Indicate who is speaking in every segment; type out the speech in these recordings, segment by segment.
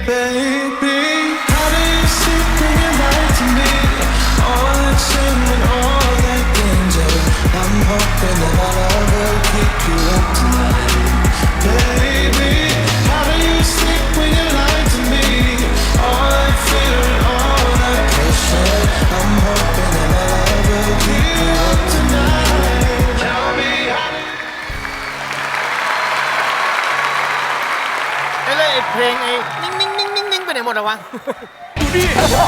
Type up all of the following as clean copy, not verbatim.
Speaker 1: baby. How do you sleep when you lie to me? All that shame and all that danger. I'm hoping that our love will keep you up tonight, baby. How do you sleep when you lie to me? All that fear and all that pressure. I'm hoping that our love will keep you up tonight. Tell me how do you...
Speaker 2: ไอ้เพลงไอ้นิ่งไปไหนหมดอะวะ
Speaker 3: ดู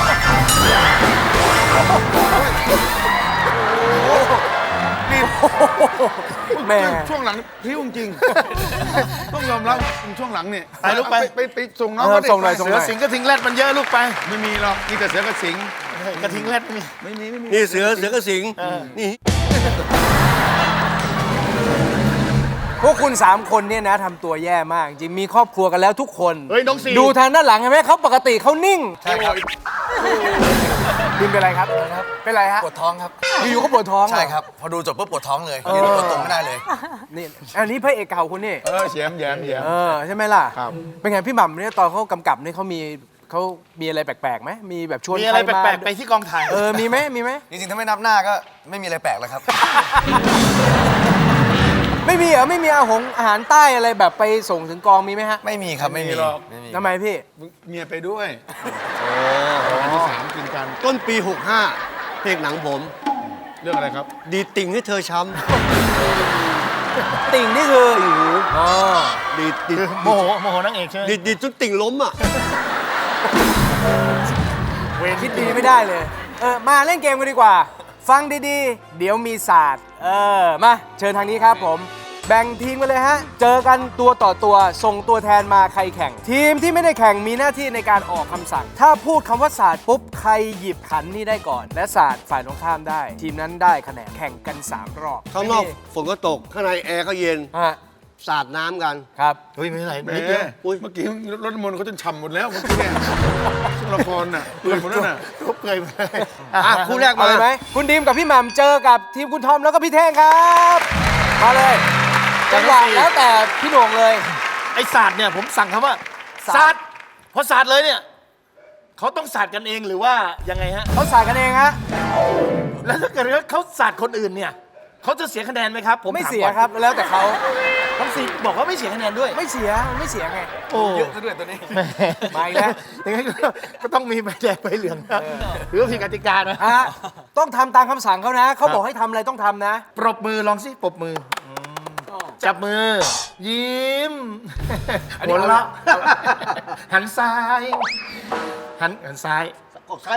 Speaker 3: ดิแม่ช่วงหลังพริ้วจริงต้องยอมรับช่วงหลังเนี่ย
Speaker 2: ไปลูกไป
Speaker 3: ไปส่งน้องก็ได้
Speaker 4: ส่งหน่อย
Speaker 2: เสือสิงกระทิงแรดมันเยอะลูกไป
Speaker 3: ไม่มีหรอกมีแต่เสือกับสิง
Speaker 2: กระทิงแรดไม่มี
Speaker 3: ไม่มี
Speaker 4: นี่เสือกระสิงนี่
Speaker 5: พวกคุณ3คนเนี่ยนะทำตัวแย่มาก จริงมีครอบครัวกันแล้วทุกคน
Speaker 2: เฮ้ยน้องซี
Speaker 5: ดูทางด้านหลังเห็นไหมเขาปกติเขานิ่ง
Speaker 4: ใช่ครับ
Speaker 5: ดินเป็นไรครับ เป็นไรฮะ
Speaker 4: ปวดท้องครับ
Speaker 5: อยู่ๆก็ปวดท้องเหอ
Speaker 4: ใช่ครับ พอดูจบปุ๊บปวดท้องเลยยืนตัวตรงไม่ได้เลย
Speaker 5: นี่อันนี้พระเอกเก่าคุณนี่
Speaker 3: แย้ม
Speaker 5: ใช่ไหมล่ะ
Speaker 3: ครับ
Speaker 5: เป็นไงพี่หม่ำเนี่ยตอนเขากำกับเนี่ยเขามีอะไรแปลกๆไหมมีแบบชวน
Speaker 2: มีอะไร
Speaker 5: ใคมา
Speaker 2: แปลกๆไปที่กองถ่าย
Speaker 5: มีไหม
Speaker 4: จริงๆถ้าไม่นับหน้าก็ไม่มีอะไรแปลกแล้วครับ
Speaker 5: ไม่มีเหรอไม่มีอาหารใต้อะไรแบบไปส่งถึงกองมีไหมฮะ
Speaker 4: ไม่มีครับไม่มี
Speaker 3: หรอก
Speaker 4: ไม่มี
Speaker 5: ทำไมพี่
Speaker 3: เมียไปด้วยวันที่3กินกัน
Speaker 6: ต้นปี 65 เพลงหนังผม
Speaker 3: เรื่องอะไรครับ
Speaker 6: ดีติ่งให้เธอช้
Speaker 5: ติ่งนี่คืออ๋อ
Speaker 6: ำดี
Speaker 2: โมโหนางเอกใช่ไหม
Speaker 6: ดีจนติ่งล้มอ่ะ
Speaker 5: คิดดีไม่ได้เลย มาเล่นเกมกันดีกว่า ฟังดีๆ เดี๋ยวมีศาสตร์มาเชิญทางนี้ครับผม แบ่งทีมกันเลยฮะ เจอกันตัวต่อตัว ส่งตัวแทนมาใครแข่ง ทีมที่ไม่ได้แข่งมีหน้าที่ในการออกคำสั่ง ถ้าพูดคำว่าศาสตร์ปุ๊บ ใครหยิบขันนี่ได้ก่อน และศาสตร์ฝ่ายตรงข้ามได้ ทีมนั้นได้คะแนนแข่งกัน 3 รอบ
Speaker 6: ข้างนอกฝนก็ตก ข้างในแอร์ก็เย็น
Speaker 5: ฮะ
Speaker 6: สาดน้ำกัน
Speaker 5: ครับ
Speaker 2: เฮ้ยไม่เป็นไร
Speaker 3: แหม
Speaker 2: นิดเดียว
Speaker 3: เมื่อกี้รถน้ำมนต์เขาจนฉ่ำหมดแล้วเมื่อกี้เนี่ยช่วงละครน่ะเปื่อยหมดแล้วน่ะ
Speaker 2: ทุบเกยไปเลย
Speaker 6: อ่ะคู่แรก
Speaker 5: เอา
Speaker 6: มา
Speaker 5: เลยไหมคุณดีมกับพี่หม่ำเจอกับทีมคุณทอมแล้วก็พี่เท่งครับมาเลยจังหวะแล้วแต่พี่โหน่งเลย
Speaker 2: ไอ้ศาสตร์เนี่ยผมสั่งคำว่า
Speaker 5: ศา
Speaker 2: ศา
Speaker 5: ส
Speaker 2: ส
Speaker 5: ต
Speaker 2: ต
Speaker 5: ร์
Speaker 2: ร์พอศาสตร์เลยเนี่ยเขาต้องศาสตร์กันเองหรือว่ายังไงฮะ
Speaker 5: เขาสายกันเองฮะ
Speaker 2: แล้วถ้าเกิดว่าเขาศาสตร์คนอื่นเนี่ยเขาจะเสียคะแนนไหมครับผม
Speaker 5: ไม่
Speaker 2: ถา
Speaker 5: เสีย
Speaker 2: ก่อน
Speaker 5: ครับแล้วแต่เขา
Speaker 2: น้องซีบอกว่าไม่เสียคะแนนด้วย
Speaker 5: ไม่เสียไง
Speaker 2: โอ้
Speaker 4: เยอะซะด้วยตัวนี้
Speaker 5: มาอีกแล้ว
Speaker 2: ยังไงก็ต้องมีใบแดงใบเหลืองนะหรือว่าผิดกติกานะ
Speaker 5: ต้องทำตามคำสั่งเขานะเขาบอกให้ทำอะไรต้องทำนะ
Speaker 2: ปรบมือลองสิปรบมือจับมือ ยิ้มหัวเราะหันซ้ายหันซ้าย
Speaker 6: กดซ้าย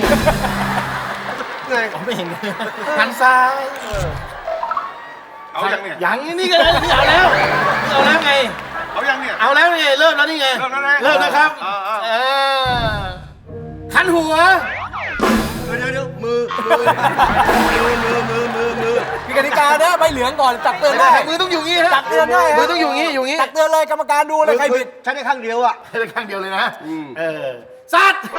Speaker 2: ผมไม่เห็นหันซ้าย
Speaker 3: เอายังเนี่ย
Speaker 2: ยังนี่ก็เลยนี่เอาแล้วไง
Speaker 3: เอายังเนี่ย
Speaker 2: เอาแล้วไงเริ่มแล้วนี่ไง
Speaker 3: เริ่มแล้วนะ
Speaker 2: เริ่มแล้วครับ
Speaker 3: เออ
Speaker 2: หันหัว
Speaker 6: เดี๋ยวมือ
Speaker 5: มีกติกานะใบเหลืองก่อนตักเตือนได้
Speaker 2: มือต้องอยู่งี้ฮะ
Speaker 5: ตักเตือนได้ฮะ
Speaker 2: มือต้องอยู่งี้อยู่งี้
Speaker 5: ตักเตือนเลยกรรมการดูเลยใครผิด
Speaker 6: ใช้ได้ข้างเดียวอ่ะ
Speaker 2: ให้ได้ข้างเดียวเลยนะสัตว์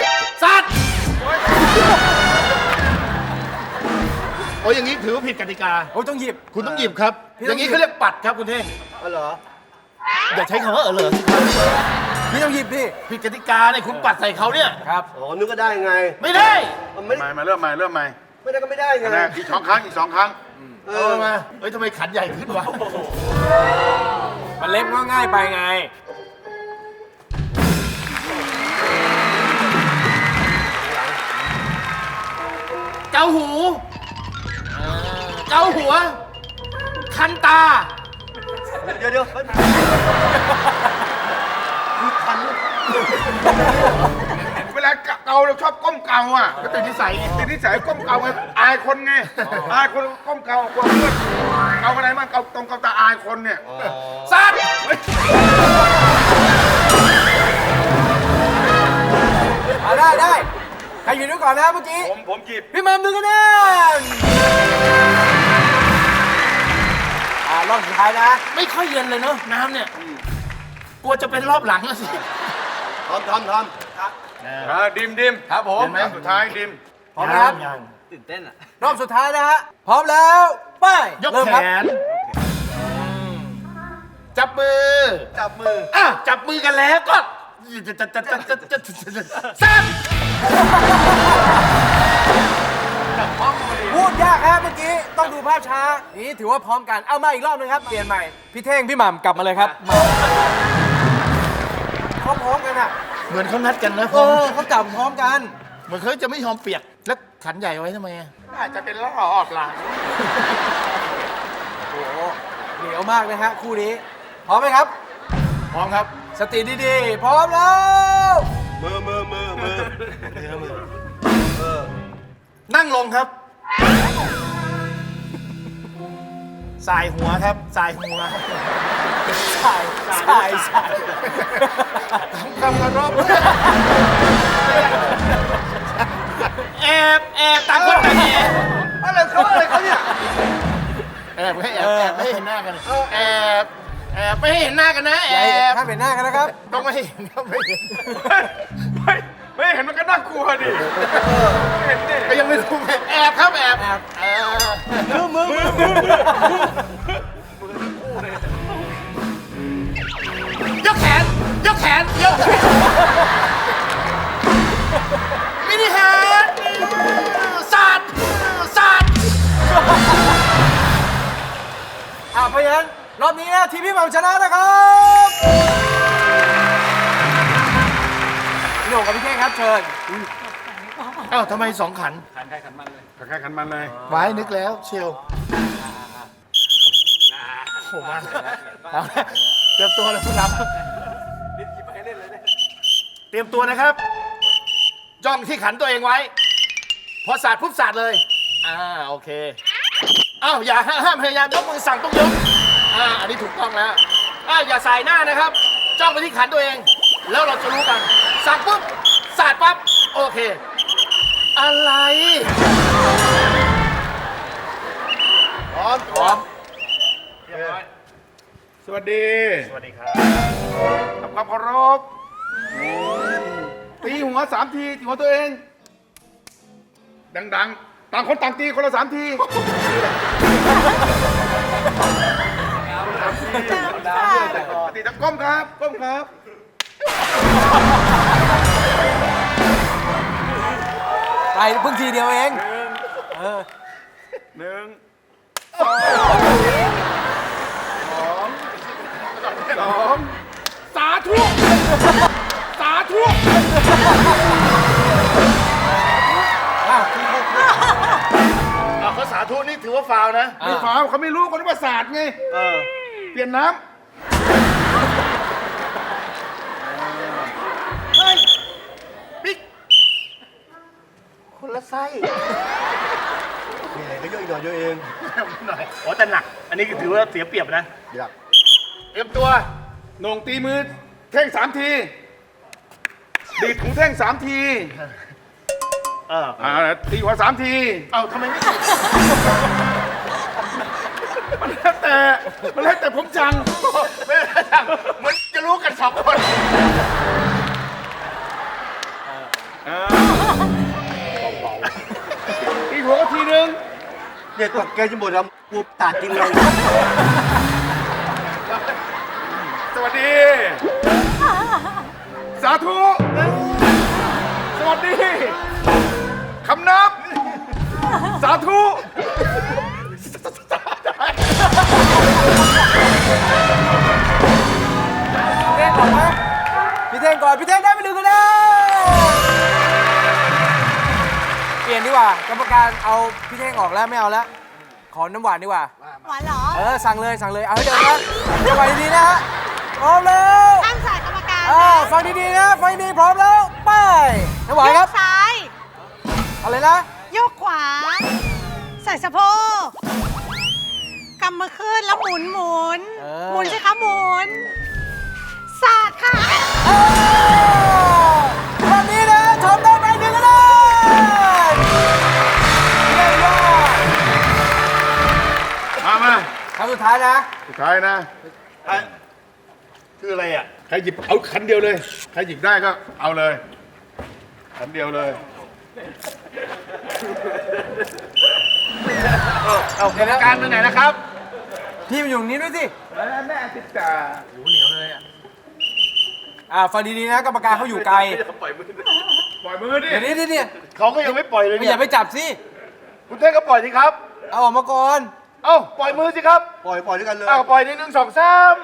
Speaker 2: โอ้ยอย่างนี้ถือว่าผิดกติกา
Speaker 5: โอ้ยต้องหยิบ
Speaker 2: คุณต้องหยิบครับ อย่างนี้เขาเรียกปัดครับคุณเท่ง
Speaker 6: อ๋อเหรอ
Speaker 2: อย่าใช้คำว่าเหรอ
Speaker 5: พี่ต้องหยิบดิ
Speaker 2: ผิดกติกาเนี่ยคุณปัดใส่เขาเนี่ย
Speaker 5: ครับ
Speaker 6: อ๋อ นึกก็ได้ไง
Speaker 2: ไม่ได้
Speaker 6: มันไม่
Speaker 3: มาเริ่มใหม่
Speaker 6: ไม่ได้ก็ไม่ได้ไง
Speaker 3: นะอีก2 ครั้งอีก 2 ครั้ง
Speaker 2: เอามาเฮ้ยทำไมขันใหญ่ขึ้นวะ
Speaker 5: มันเล็กก็ง่ายไปไง
Speaker 2: เกาหูเกาหัว คันตา
Speaker 6: เดี๋ยว
Speaker 3: เวลาเกาเราชอบก้มเกาอ่ะ
Speaker 2: ก็ติดนิสัยไง
Speaker 3: ติดนิสัยก้มเกาไงอายคนไงอายคนก้มเกากลัวเพื่อนเกาอะไรบ้างเกาตรงเกาตาอายคนเนี่ย
Speaker 2: สัตว์
Speaker 5: ได้ใครอยู่ด้วยก่อนนะเมื่อกี้
Speaker 3: ผมหยิบ
Speaker 5: พี่หม่ำดูกันนะรอบสุดท้ายนะ
Speaker 2: ไม่ค่อยเย็นเลยเนาะน้ำเนี่ย กลัวจะเป็นรอบหลังแล้วสิ
Speaker 6: ทำ
Speaker 3: ดิมครับผมสุดท้ายดิม
Speaker 5: พร้อมนะครับ
Speaker 2: ยัง
Speaker 5: รอบสุดท้ายนะฮะ พร้อมแล้วไป
Speaker 2: ยก
Speaker 5: เริ่ม
Speaker 2: แข
Speaker 5: ครับ
Speaker 2: น จับมือ
Speaker 6: จับมือ
Speaker 2: จับมือกันแล้วก็แซ่บ
Speaker 5: พูดยากฮะเมื่อกี้ต้องดูภาพช้านี่ถือว่าพร้อมกันเอามาอีกรอบนึงครับเปลี่ยนใหม่พี่เท่งพี่หม่ำกลับมาเลยครับมาพร้อมๆกันอ่ะ
Speaker 2: เหมือนเขานัดกันนะ
Speaker 5: เขาจับพร้อมกัน
Speaker 2: เหมือนเขาจะไม่ยอมเปียก แล้วขันใหญ่ไว้ทำไมอะอาจจะเป็นล้อออบหลัง
Speaker 5: โอ้โหเหนียวมากนะฮะคู่นี้พร้อมไหมครับ
Speaker 2: พร้อมครับ
Speaker 5: สติดีๆ พร้อมแล้ว
Speaker 6: มือ
Speaker 2: นั่งลงครับ สายหัวครับ สายหัว
Speaker 5: สาย
Speaker 2: คำกระรบแอบต่างคนต่างแอบ
Speaker 6: อะไรเขาเนี่ย
Speaker 2: แอบให้ไม่ให้เห็นหน้ากันแอบไม่ให้เห็นหน้ากันนะแอบ
Speaker 5: ถ้าเป็นหน้ากันนะครับ
Speaker 2: ต้องไม่ให้เห็นครับไม่เห็น
Speaker 3: ไม่เห็นมันก็น่ากลัวดิเห็นดิ
Speaker 2: ก็ยังไม่รู้ไงแอบครับแอบมือยกแขนมินิฮาร์ดสาด
Speaker 5: เพราะฉะนั้นรอบนี้นะทีมพี่หม่ำชนะนะครับพี่โหน่งกับพี่เท่งครับเชิญ
Speaker 2: เอ้าทำไมสองขัน
Speaker 3: แค่ขันมันเลย
Speaker 2: ไว้นึกแล้วเชียวโอ้มาเอาละเตรียมตัวเลยผู้รับเตรียมตัวนะครับ จ้องที่ขันตัวเองไว้ พอสาดปุ๊บสาดเลย โอเคอ้าวอย่าห้ามพยายามยกมือสั่งต้องยกอันนี้ถูกต้องแล้วอย่าสายหน้านะครับ จ้องไปที่ขันตัวเอง แล้วเราจะรู้กัน สั่งปุ๊บสาดปั๊บโอเค อะไร
Speaker 6: พร้อม
Speaker 3: สวัสดี
Speaker 2: สวัสดีครับ
Speaker 3: ทำความเคารพตีหัว3 ทีตีหัวตัวเอง ดังๆ ต่างคนต่างตีคนละ3 ทีตีตะก้มครับ ก้มครับ
Speaker 5: ไปเพิ่งทีเดียวเอง
Speaker 3: 1 2 สาธุ
Speaker 2: เขาสาธุนี่ถือว่าฟาวล์นะ
Speaker 3: ไม่ฝาวเขาไม่รู้คนว่าศาสตร์ไง เปลี่ยนน้
Speaker 2: บิ๊กคนละไส้
Speaker 6: มีอะไรก็เยอะอีกหน่อยเยอะเอง
Speaker 2: หน่อยอ๋อแต่หนัก อันนี้ถือว่าเสียเปรียบนะ
Speaker 6: อยาก
Speaker 2: เตรียมตัว
Speaker 3: ำโหน่งตีมือแท่ง3 ที ดีดหูแท่ง3 ที ตีหัว3 ที
Speaker 2: เอาทำไมไม่
Speaker 3: มันแล้วแต่ผมจัง
Speaker 2: ไม่ได้ทำเหมือนจะรู้กัน2 คน
Speaker 3: ตีหัวก็ทีนึง
Speaker 6: เนี่ยตกแกจะหมดแล้วกูตาดกินเลย
Speaker 3: สวัสดี สาธุ สวัสดี คำนับ สาธุ
Speaker 5: เท่งก่อนไหมพี่เท่งก่อน พี่เท่งได้ไป1 คะแนนเปลี่ยนดีกว่า กรรมการเอาพี่เท่งออกแล้วไม่เอาแล้ว ขอน้ำหวานดีกว่า
Speaker 7: หวานเหรอ
Speaker 5: สั่งเลย เอาให้เดินนะจังหวะดีๆนะฮะพร้อมแล้ว
Speaker 7: ตั้งสายกรรมการ
Speaker 5: ฟังดีๆนะ ฟังดีพร้อมแล้ว ไปน้ำหวานครับ
Speaker 7: โยกซ้าย
Speaker 5: อะไรนะ
Speaker 7: โยกขวา ใส่สะโพกกำมือขึ้นแล้วหมุน หมุนสิคะหมุนสาดค่ะ
Speaker 5: วันนี้นะทำได้ไป1 คะแนนเยี่ยมยอด
Speaker 3: มา
Speaker 5: คำสุดท้ายนะ
Speaker 3: สุดท้ายนะ
Speaker 2: คืออะไรอ่ะ
Speaker 3: ใครหยิบเอาคันเดียวเลย ใครหยิบได้ก็เอาเลย คันเดียวเลย
Speaker 2: เอากรรมการไปไหนนะครับ
Speaker 5: พี่มาอยู่ตรงนี้ด้วยสิ
Speaker 3: แม่ติดจ่า
Speaker 2: เหนียวเลยอ่ะ
Speaker 5: ฟังดีๆนะกรรมการเขาอยู่ไกล
Speaker 3: ปล่อยมือดิ
Speaker 5: เดี๋ยวนี้
Speaker 2: เขาก็ยังไม่ปล่อยเลย
Speaker 5: ไม่
Speaker 2: เนี่
Speaker 5: อย ย่าไปจับสิ
Speaker 2: คุณเท่งก็ปล่อยสิครับ
Speaker 5: เอาออกมาก่อน
Speaker 2: เอ้าปล่อยมือสิครับ
Speaker 6: ปล่อยด้วยกันเลย
Speaker 2: เอ้าปล่อยใน1 2 3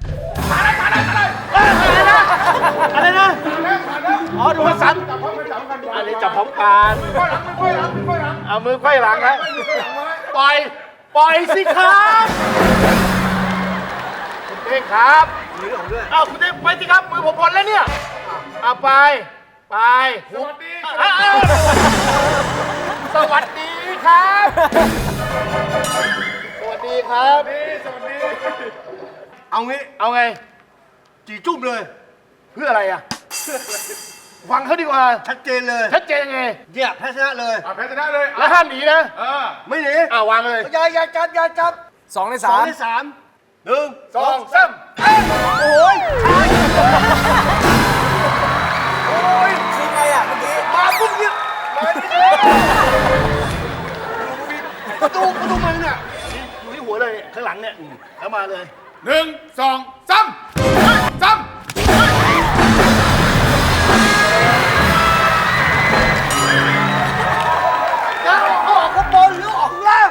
Speaker 2: อะไรนะอ๋อดูว่าสันอันนี้จับพร้อมกันเอามือไขว้หลังนะปล่อยสิครับคุณเท่งครับเอ้าคุณเท่งไปสิครับมือผมพ้นแล้วเนี่ยเอาไปสวัสดีสวัสดีครับ สวัสดีครับ
Speaker 6: เอางี้
Speaker 2: เอาไง
Speaker 6: จีจุ่มเลย
Speaker 2: เพื่ออะไรอ่ะ ฟังเขาดีกว่า
Speaker 6: ชัดเจนเลย
Speaker 2: ชัดเจนยังไง
Speaker 6: เนี่ยแพ้ชนะเลย
Speaker 3: แพ้ชนะเลย
Speaker 2: แล้วห้ามหนีนะ
Speaker 6: ไม่หนี
Speaker 2: วางเลย
Speaker 6: อย่าจับ
Speaker 5: 2 ใน
Speaker 6: สอง
Speaker 5: 3
Speaker 6: ในสามหนึ่ง
Speaker 2: 2 3
Speaker 5: คือไงอ่ะเมื่อกี้
Speaker 6: มาปุ๊บเนี่ยประตูมันเนี่ย
Speaker 2: อยู่ที่หัวเลยข้างหลังเนี่ยแล้วมาเลย
Speaker 3: 1 2 3
Speaker 6: เอาออกข้างบนหรือออกข้างล่าง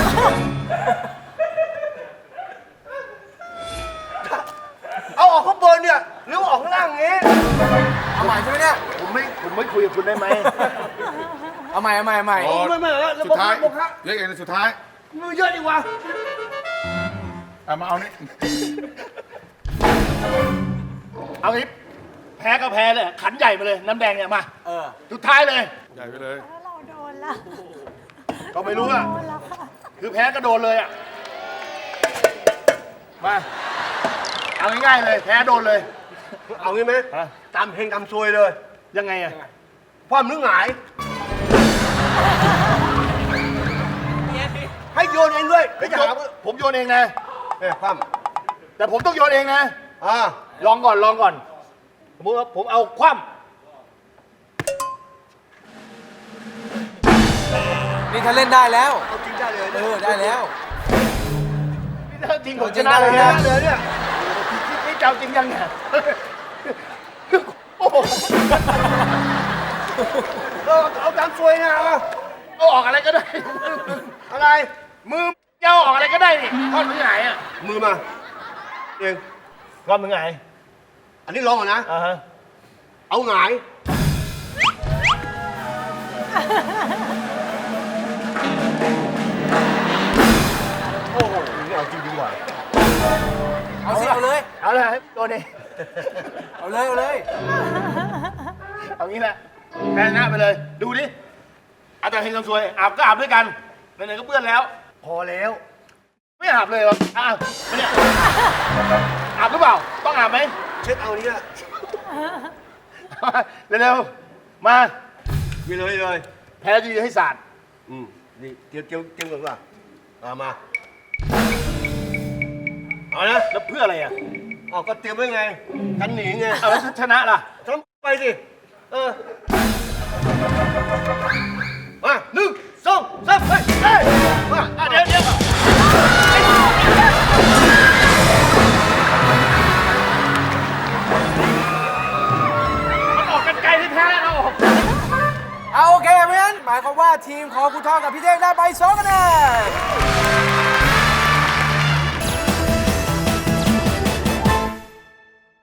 Speaker 6: เอาออกข้างบนเนี่ยหรือออกข้างล่างอย่างงี้
Speaker 5: เอาใหม่ใช่ไหมเนี่ย
Speaker 2: ผมไม่คุยกับคุณได้ไหม
Speaker 5: เอาใหม่
Speaker 6: ไม่แล้ว
Speaker 3: สุดท้ายเรียกเองสุดท้าย
Speaker 6: มือเยอะดีวะ
Speaker 3: มาเอานี่
Speaker 2: เอางี้แพ้ก็แพ้เลยขันใหญ่มาเลยน้ำแดงเนี่ยมา
Speaker 5: เออ
Speaker 2: สุดท้ายเลย
Speaker 3: ใหญ่ไปเลย
Speaker 7: แล้วเราโดนละ
Speaker 2: ก็ไม่รู้อ่ะ
Speaker 7: โดนละค่ะ
Speaker 2: คือแพ้ก็โดนเลยอ่ะมาเอาง่ายๆเลย แพ้โดนเลย
Speaker 6: เอางี้ไหม
Speaker 2: ฮะ
Speaker 6: ตามเพลงตามซวยเลย
Speaker 2: ยังไงอ่ะ
Speaker 6: ความนึกหงาย ให้โยนเองด้วยไม่จะหาว่า
Speaker 2: ผมโยนเองนะ
Speaker 6: เนี่ยความ
Speaker 2: แต่ผมต้องโยนเองนะ
Speaker 6: อ่า
Speaker 2: ลองก่อนสมมติว่าผมเอาคว่
Speaker 5: นี่ถ้าเล่นได้แล้ว
Speaker 6: เอาจริงได้เลย
Speaker 5: เออ ได้แล้ว
Speaker 2: ำถ้าจริงผมชนะเลย
Speaker 6: ได้
Speaker 2: นะ
Speaker 6: เลยเนี่ย
Speaker 2: นี่เจ้าจริงยังเนี่ยโอ้โห
Speaker 6: เอาตามซวยนะเอา
Speaker 2: เอาออกอะไรก็ได้
Speaker 6: อะไร
Speaker 2: มือเจ้าออกอะไรก็ได้นี่ทอดมือหงายอ่ะ
Speaker 6: มือมาเอง
Speaker 2: ทอดมือหงาย
Speaker 6: อันนี้ลองก่อนนะ
Speaker 2: อ่าฮะ
Speaker 6: เอาหงาย โอ้โหนี่เอาจริงดีกว่า
Speaker 5: เอาสิ เอาเลย
Speaker 2: เอาเลยโดนเอง
Speaker 5: เอาเลย เอาเลย
Speaker 2: เอางี้แหละแพ้ชนะไปเลย ดูดิอาจารย์เฮงคำซวยอาบก็อาบด้วยกันไหนๆก็เปื้อนแล้ว
Speaker 6: พอแล้ว
Speaker 2: ไม่อาบเลยเหรออาบไม่เนี่ยอาบหรือเปล่า ต้องอาบไหม
Speaker 6: เช็ดเอานี้ละ
Speaker 2: เร็วๆมา
Speaker 6: มีเลยเลย
Speaker 2: แพ้ดีให้ศาสตร์
Speaker 6: นี่เตรียมก่อนว่ามาเอานะ
Speaker 2: แล้วเพื่ออะไรอ่ะ
Speaker 6: เอาก็เตรียมไว้ไง กันหนีไง
Speaker 2: เอาแล้วชนะล่ะ
Speaker 6: ทำไปสิ มา1 2 3ไปมา
Speaker 2: เดี๋ยวมันออกกันไกลที่แท้แล้วออก
Speaker 5: เอาโอเคเพราะฉะนั้นหมายความว่าทีมของคุณทองกับพี่เท่งได้ไป2 คะแนน